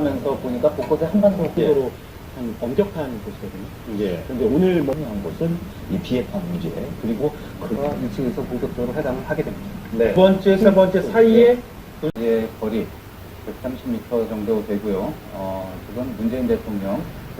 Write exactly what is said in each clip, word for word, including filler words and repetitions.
하면서 보니까 곳곳에 한반도 후보로 한 엄격한 곳이거든요. 예. 그런데 오늘 monitoring한 곳은 이 비핵화 문제, 그리고 그가 이 층에서 본격적으로 회담을 하게 됩니다. 네. 두 번째, 세 번째 사이에 이제 거리 백삼십 미터 정도 되고요. 어, 지금 문재인 대통령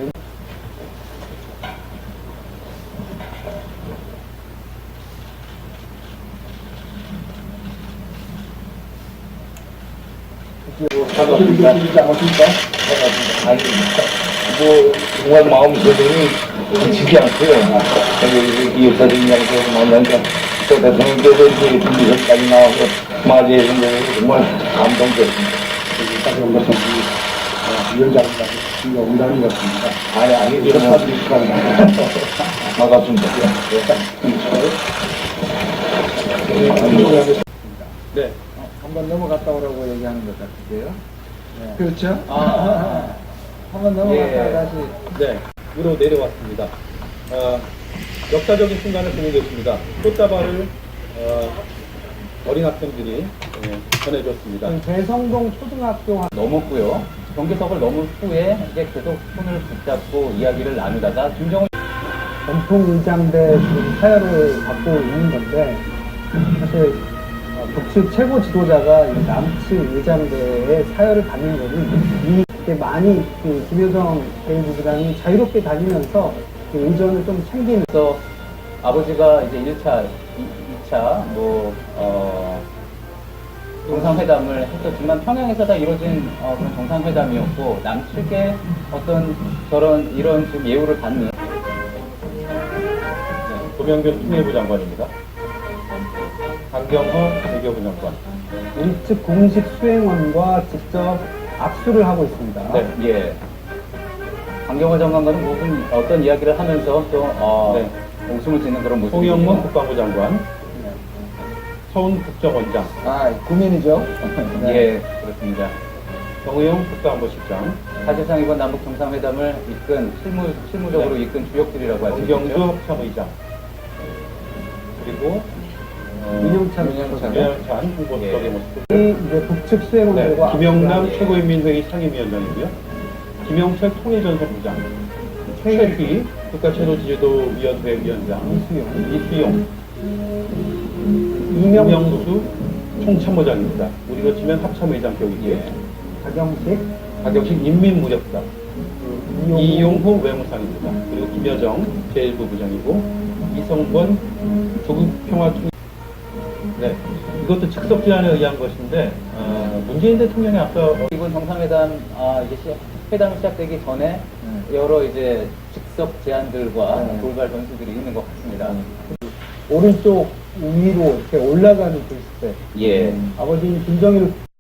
반갑습니다. 반갑습니다. 아니, 뭐, 정말 마음고생이 지지 않고요. 이 역사적인 만나니까 또 대통령께서 이제 준비선까지 나와서 맞이해 준 거 정말 감동적입니다. 다시 한번 위원장님과 농담이었습니다. 아니, 아니, 이런 사람들이 있습니다. 반갑습니다. 네. 어, 한번 넘어갔다 오라고 얘기하는 것 같으세요? 네. 그렇죠? 아, 아, 한번 넘어갔다가 예. 다시. 네, 위로 내려왔습니다. 어, 역사적인 순간을 보고 계십니다. 꽃다발을 어, 어린 학생들이 예, 전해줬습니다. 대성동 초등학교 넘었고요. 경계석을 넘은 후에 이제 계속 손을 붙잡고 이야기를 나누다가 김정은 전통 의장대 지금 사열을 받고 있는 건데, 사실 어, 북측 최고 지도자가 이 남측 의장대의 사열을 받는 거는 이게 많이 그 김여정 대의부부장이 자유롭게 다니면서 그 의전을 좀 챙기는. 그래서 아버지가 이제 일 차, 이 차 뭐 어, 정상회담을 했었지만 평양에서 다 이루어진 어, 그런 정상회담이었고 남측의 어떤 저런 이런 지금 예우를 받는 도명균 통일부 장관입니다. 강경허 외교부 장관. 우측 공식 수행원과 직접 악수를 하고 있습니다. 네. 예. 강경화 장관과는 무슨 어떤 이야기를 하면서 또 어, 네. 웃음을 짓는 그런 모습이 송영문 국방부 장관. 서훈 국정원장. 아, 고민이죠. 예, 그렇습니다. 정의용 국가안보실장. 사실상 이번 남북 정상회담을 이끈 실무 실무적으로 네. 이끈 주역들이라고 할 수 정경수 있죠. 합참의장. 그리고 어, 민영찬 민영찬. 윤영찬 홍보수석의 예. 모습. 이 이제 북측 네, 수행원들과 김영남 예. 최고인민회의 상임위원장이고요. 김영철 통일전선부장. 최휘 국가체조지도위원회 위원장. 이수영, 이수용. 이명수, 이명수 총참모장입니다. 우리로 치면 합참의장 격이고요. 예. 박영식, 박영식 인민무력사. 이용호, 이용호 외무상입니다. 그리고 김여정 제일부 부장이고 이성권 조국평화총. 네, 이것도 즉석 제안에 의한 것인데 어, 문재인 대통령이 앞서 이번 정상회담 아, 이제 시, 회담이 시작되기 전에 여러 이제 즉석 제안들과 네. 돌발 변수들이 있는 것 같습니다. 오른쪽 위로 이렇게 올라가는 글쎄. 예. 아버지 김정일